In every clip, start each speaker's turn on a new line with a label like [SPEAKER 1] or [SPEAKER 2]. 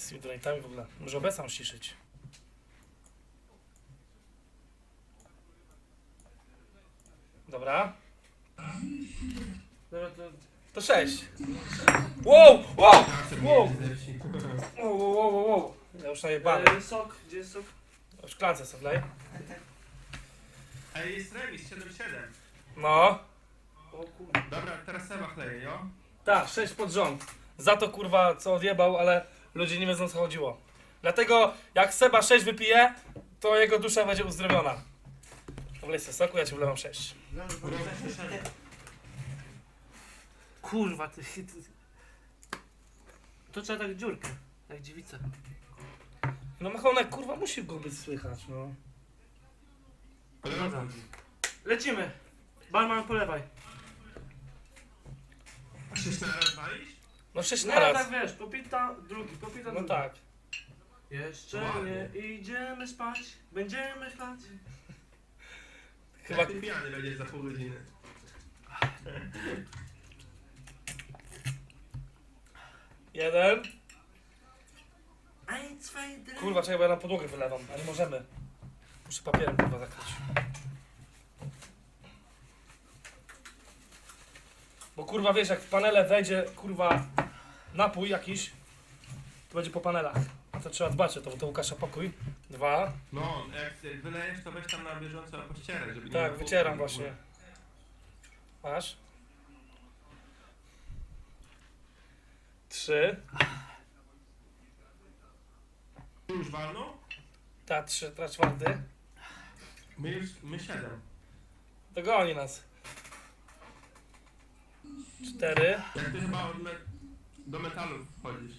[SPEAKER 1] z tymi donatami w ogóle. Może obecam ściszyć. Dobra.
[SPEAKER 2] Dobra,
[SPEAKER 1] To 6. Wow! Wow! Wow! Wow, wow, wow, wow. Ja już najebany.
[SPEAKER 2] sok, gdzie jest sok?
[SPEAKER 1] W szklance sobie wlej.
[SPEAKER 3] Ej, jest remis, 7-7.
[SPEAKER 1] No.
[SPEAKER 2] O kurde.
[SPEAKER 3] Dobra, teraz Seba chleje, jo?
[SPEAKER 1] Tak, 6 pod rząd. Za to kurwa co odjebał, ale ludzie nie wiedzą co chodziło. Dlatego jak Seba 6 wypije, to jego dusza będzie uzdrowiona. Wlej sobie soku, ja ci wlewam 6.
[SPEAKER 2] Kurwa, ty. To trzeba tak dziurkę, jak dziewica.
[SPEAKER 1] No machonek kurwa musi go być słychać, no.
[SPEAKER 2] Dobra. Lecimy. Barman, polewaj.
[SPEAKER 3] 6 na raz walisz?
[SPEAKER 1] No 6
[SPEAKER 2] No
[SPEAKER 1] na raz.
[SPEAKER 2] tak wiesz, popita drugi, popita
[SPEAKER 1] No
[SPEAKER 2] drugi.
[SPEAKER 1] tak.
[SPEAKER 2] Jeszcze
[SPEAKER 3] Ładnie.
[SPEAKER 2] nie idziemy spać, będziemy chlać.
[SPEAKER 1] Chyba
[SPEAKER 3] Jak ty pijany będziesz za pół godziny.
[SPEAKER 1] jeden.
[SPEAKER 2] Ein, zwei, drei.
[SPEAKER 1] Kurwa, czekaj, bo ja na podłogę wylewam, a nie możemy. Muszę papierem kurwa zakryć. Bo kurwa wiesz, jak w panele wejdzie kurwa napój jakiś, to będzie po panelach. A to trzeba dbać o to, bo to Łukasza pokój. 2.
[SPEAKER 3] No, jak wylejesz, to weź tam na bieżąco pościerać, żeby nie
[SPEAKER 1] Tak,
[SPEAKER 3] było
[SPEAKER 1] wycieram
[SPEAKER 3] w ogóle.
[SPEAKER 1] właśnie. Masz. 3.
[SPEAKER 3] Ty już walną?
[SPEAKER 1] Ta 3, ta 4.
[SPEAKER 3] My 7.
[SPEAKER 1] To goni nas. 4.
[SPEAKER 3] Jak ty chyba do metalu wchodzisz.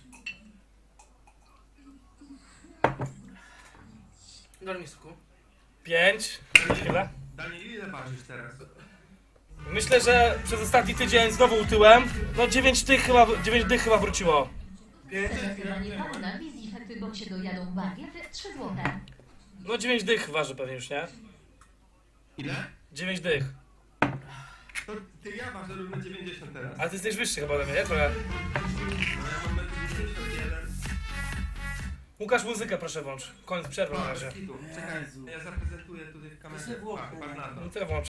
[SPEAKER 2] Daj mi soku.
[SPEAKER 1] 5. Chwilę.
[SPEAKER 3] Daniel, ile ważysz teraz?
[SPEAKER 1] Myślę, że przez ostatni tydzień znowu utyłem. No 9 dych chyba wróciło.
[SPEAKER 4] Zdecydowanie paru na wizji bo się dojadą bagiet 3 złote.
[SPEAKER 1] No 9 dych waży pewnie już, nie?
[SPEAKER 3] Ile?
[SPEAKER 1] 9 dych.
[SPEAKER 3] To ty ja ważę równo 90 teraz.
[SPEAKER 1] A ty jesteś wyższy chyba ode mnie, nie? Trochę.
[SPEAKER 3] No ja mam 91.
[SPEAKER 1] Łukasz, muzykę proszę włącz. Koniec przerwy na razie.
[SPEAKER 3] Czekaj, ja zaprezentuję tutaj w kamerze.
[SPEAKER 2] To sobie włącz.
[SPEAKER 3] Patrz na to.
[SPEAKER 1] No to ja włączę.